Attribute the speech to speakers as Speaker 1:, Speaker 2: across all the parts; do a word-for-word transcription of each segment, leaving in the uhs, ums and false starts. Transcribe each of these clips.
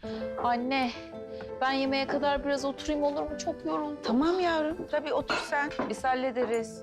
Speaker 1: Anne, ben yemeğe kadar biraz oturayım olur mu? Çok yoruldum.
Speaker 2: Tamam yavrum, tabii otur sen. Biz hallederiz.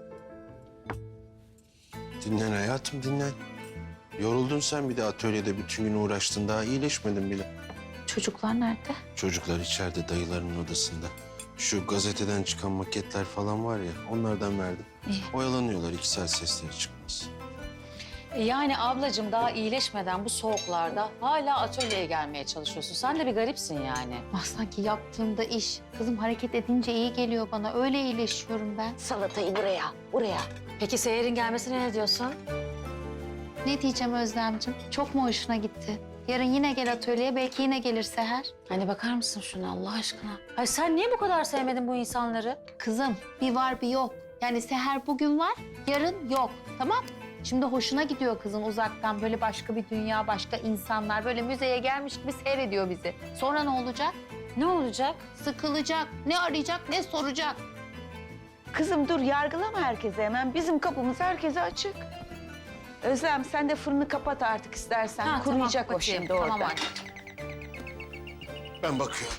Speaker 3: Dinlen hayatım, dinlen. Yoruldun sen, bir de atölyede bütün gün uğraştın. Daha iyileşmedin bile.
Speaker 1: Çocuklar nerede?
Speaker 3: Çocuklar içeride, dayılarının odasında. Şu gazeteden çıkan maketler falan var ya, onlardan verdim.
Speaker 1: İyi.
Speaker 3: Oyalanıyorlar, iki saat sesleri çıkmaz.
Speaker 4: E yani ablacığım daha iyileşmeden bu soğuklarda hala atölyeye gelmeye çalışıyorsun. Sen de bir garipsin yani.
Speaker 1: Ah, sanki yaptığımda iş. Kızım hareket edince iyi geliyor bana. Öyle iyileşiyorum ben.
Speaker 4: Salatayı buraya, buraya. Peki Seher'in gelmesine ne diyorsun?
Speaker 1: Ne diyeceğim Özlemciğim? Çok mu hoşuna gitti? Yarın yine gel atölyeye, belki yine gelir Seher.
Speaker 4: Hani bakar mısın şuna Allah aşkına? Ay sen niye bu kadar sevmedin bu insanları?
Speaker 1: Kızım, bir var bir yok. Yani Seher bugün var, yarın yok. Tamam? Şimdi hoşuna gidiyor kızın uzaktan, böyle başka bir dünya, başka insanlar. Böyle müzeye gelmiş gibi seyrediyor bizi. Sonra ne olacak?
Speaker 4: Ne olacak?
Speaker 1: Sıkılacak. Ne arayacak, ne soracak.
Speaker 2: Kızım dur, yargılama herkese hemen. Bizim kapımız herkese açık. Özlem sen de fırını kapat artık istersen.
Speaker 4: Ha,
Speaker 2: Kuruyacak
Speaker 4: tamam,
Speaker 2: o şimdi
Speaker 4: tamam,
Speaker 2: orada.
Speaker 4: anne.
Speaker 3: Ben bakıyorum.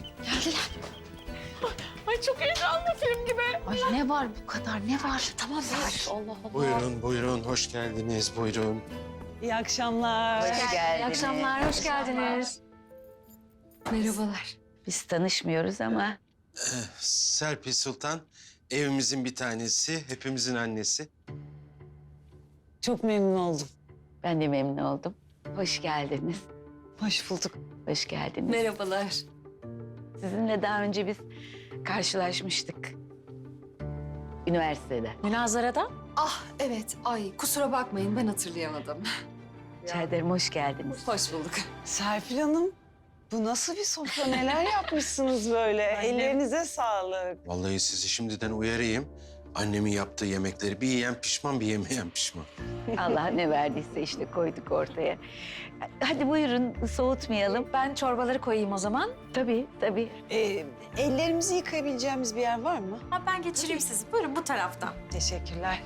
Speaker 1: Ay çok heyecanlı film gibi. Ay ne var bu kadar, ne var?
Speaker 4: Tamam ver. Allah Allah.
Speaker 3: Buyurun, buyurun. Hoş geldiniz, buyurun.
Speaker 5: İyi akşamlar.
Speaker 2: Hoş geldiniz.
Speaker 4: İyi akşamlar, hoş geldiniz.
Speaker 1: Merhabalar.
Speaker 2: Biz tanışmıyoruz ama
Speaker 3: Serpil Sultan, evimizin bir tanesi, hepimizin annesi.
Speaker 5: Çok memnun oldum.
Speaker 2: ben de memnun oldum. Hoş geldiniz.
Speaker 5: Hoş bulduk.
Speaker 2: Hoş geldiniz.
Speaker 4: Merhabalar.
Speaker 2: Sizinle daha önce biz karşılaşmıştık. Üniversitede.
Speaker 4: Münazarada?
Speaker 6: Ah evet, ay kusura bakmayın ben hatırlayamadım.
Speaker 2: Rica ederim, hoş geldiniz.
Speaker 6: Hoş bulduk.
Speaker 5: Serpil Hanım, bu nasıl bir sofra? Neler yapmışsınız böyle? Ellerinize sağlık.
Speaker 3: Vallahi sizi şimdiden uyarayım. Annemin yaptığı yemekleri bir yiyen pişman, bir yemeyen pişman.
Speaker 2: Allah ne verdiyse işte koyduk ortaya. Hadi buyurun, soğutmayalım.
Speaker 4: Ben çorbaları koyayım o zaman.
Speaker 2: Tabii, tabii.
Speaker 5: Ee, ellerimizi yıkayabileceğimiz bir yer var mı?
Speaker 6: Ha, ben geçireyim sizi. Buyurun bu taraftan.
Speaker 5: Teşekkürler.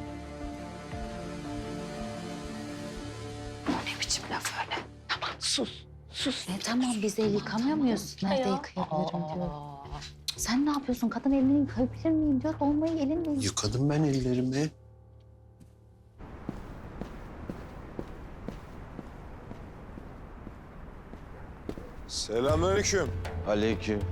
Speaker 1: Ne biçim laf öyle? Tamam, sus. Sus.
Speaker 4: E tamam biz el yıkamıyor muyuz? Nerede yıkayabilirim diyor. Sen ne yapıyorsun? Kadın elini yıkayabilir miyim diyor. Olmayı elinle yık.
Speaker 3: Yıkadım ben ellerimi.
Speaker 7: Selamünaleyküm.
Speaker 3: Aleyküm.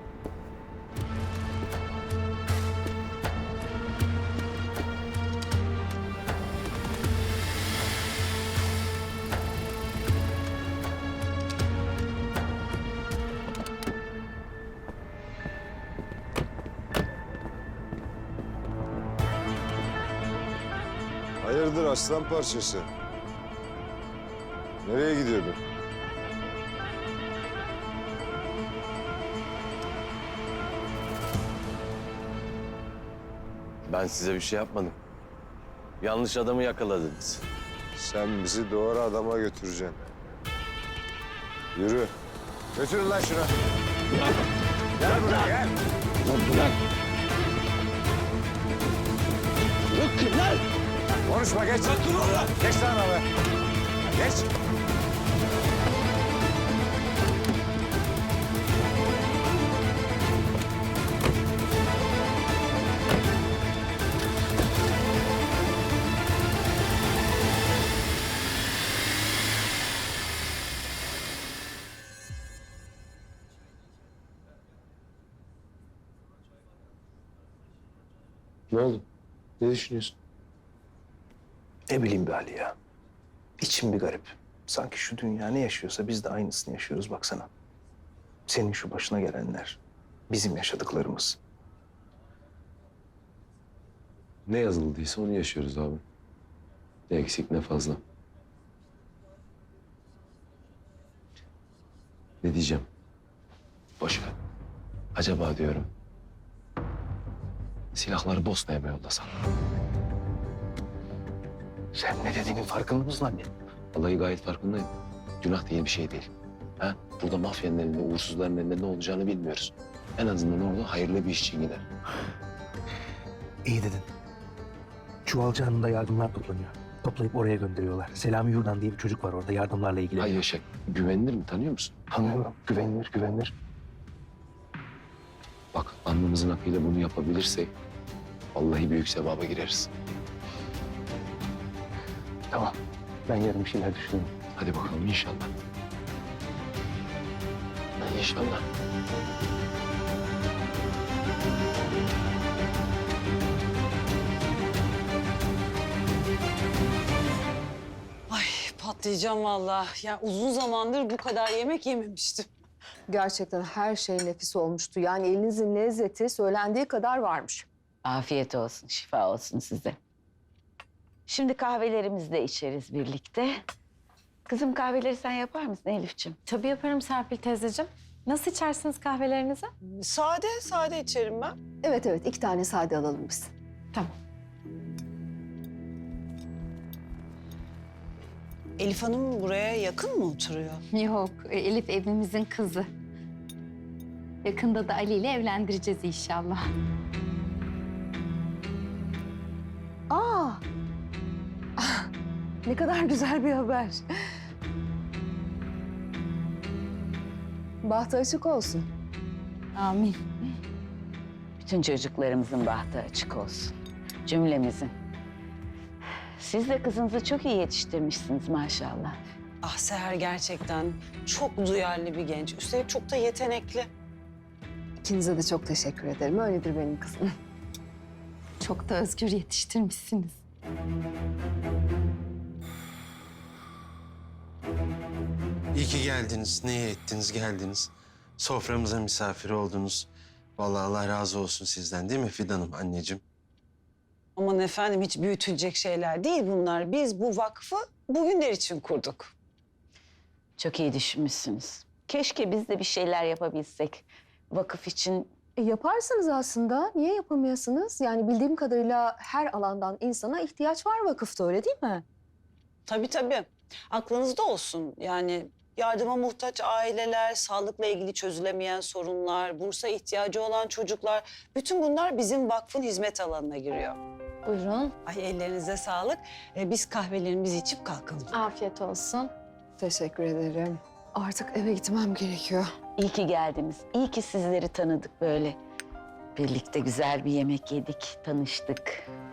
Speaker 7: Hayırdır aslan parçası? Nereye gidiyordun?
Speaker 8: Ben size bir şey yapmadım. Yanlış adamı yakaladınız.
Speaker 7: Sen bizi doğru adama götüreceksin. Yürü. Götürün lan şunu. Gel buraya gel. Konuşma geç. Geç lan abi. Geç.
Speaker 3: Ne oldu? Ne düşünüyorsun?
Speaker 9: Ne bileyim be Ali ya. İçim bir garip. Sanki şu dünya ne yaşıyorsa biz de aynısını yaşıyoruz baksana. Senin şu başına gelenler, bizim yaşadıklarımız.
Speaker 8: Ne yazıldıysa onu yaşıyoruz abi. Ne eksik ne fazla. Ne diyeceğim? Boş ver. Acaba diyorum. Silahları Bosna'ya mı yollasan?
Speaker 9: Sen ne dediğinin farkında mısın anne?
Speaker 8: Vallahi gayet farkındayım. Günah diye bir şey değil. Ha? Burada mafyanın elinde, uğursuzların elinde ne olacağını bilmiyoruz. En azından orada hayırlı bir iş için gider.
Speaker 9: İyi dedin. Çuvalcı Hanım'da yardımlar toplanıyor. toplayıp oraya gönderiyorlar. Selami Yurdan diye bir çocuk var orada yardımlarla ilgili.
Speaker 8: Ay Yaşar, güvenilir mi? Tanıyor musun?
Speaker 9: Tanıyorum. Güvenilir, güvenilir.
Speaker 8: Bak alnımızın akıyla bunu yapabilirsek vallahi büyük sevaba gireriz.
Speaker 9: Tamam. Ben yarın bir şeyler düşünürüm.
Speaker 8: Hadi bakalım inşallah. İnşallah.
Speaker 5: Ay patlayacağım vallahi. Ya uzun zamandır bu kadar yemek yememiştim.
Speaker 10: Gerçekten her şey nefis olmuştu. Yani elinizin lezzeti söylendiği kadar varmış.
Speaker 2: Afiyet olsun, şifa olsun size. Şimdi kahvelerimizi de içeriz birlikte. Kızım kahveleri sen yapar mısın Elif'ciğim?
Speaker 6: Tabii yaparım Serpil teyzeciğim. Nasıl içersiniz kahvelerinizi?
Speaker 5: Sade, sade içerim ben.
Speaker 10: Evet evet iki tane sade alalım biz.
Speaker 6: Tamam.
Speaker 5: Elif Hanım buraya yakın mı oturuyor?
Speaker 1: Yok, Elif evimizin kızı. Yakında da Ali ile evlendireceğiz inşallah.
Speaker 10: Aa! Ah, ne kadar güzel bir haber. Bahtı açık olsun.
Speaker 1: Amin.
Speaker 2: Bütün çocuklarımızın bahtı açık olsun. Cümlemizin. Siz de kızınızı çok iyi yetiştirmişsiniz maşallah.
Speaker 5: Ah Seher gerçekten çok duyarlı bir genç. Üstelik çok da yetenekli.
Speaker 10: İkinize de çok teşekkür ederim. Öyledir benim kızım.
Speaker 1: Çok da özgür yetiştirmişsiniz.
Speaker 3: İyi ki geldiniz. Ne iyi ettiniz geldiniz. Soframıza misafir oldunuz. Vallahi Allah razı olsun sizden değil mi Fidan'ım anneciğim?
Speaker 5: Aman efendim hiç büyütülecek şeyler değil bunlar. Biz bu vakfı bugünler için kurduk.
Speaker 2: Çok iyi düşünmüşsünüz. Keşke biz de bir şeyler yapabilsek. Vakıf için
Speaker 10: E, yaparsınız aslında. Niye yapamayasınız? Yani bildiğim kadarıyla her alandan insana ihtiyaç var vakıfta, öyle değil mi?
Speaker 5: Tabii tabii. Aklınızda olsun. Yani yardıma muhtaç aileler, sağlıkla ilgili çözülemeyen sorunlar, bursa ihtiyacı olan çocuklar. Bütün bunlar bizim vakfın hizmet alanına giriyor.
Speaker 1: Buyurun.
Speaker 5: Ay ellerinize sağlık. Ee, biz kahvelerimizi içip kalkalım.
Speaker 1: Afiyet olsun.
Speaker 10: Teşekkür ederim. Artık eve gitmem gerekiyor.
Speaker 2: iyi ki geldiniz. İyi ki sizleri tanıdık böyle. Birlikte güzel bir yemek yedik, tanıştık.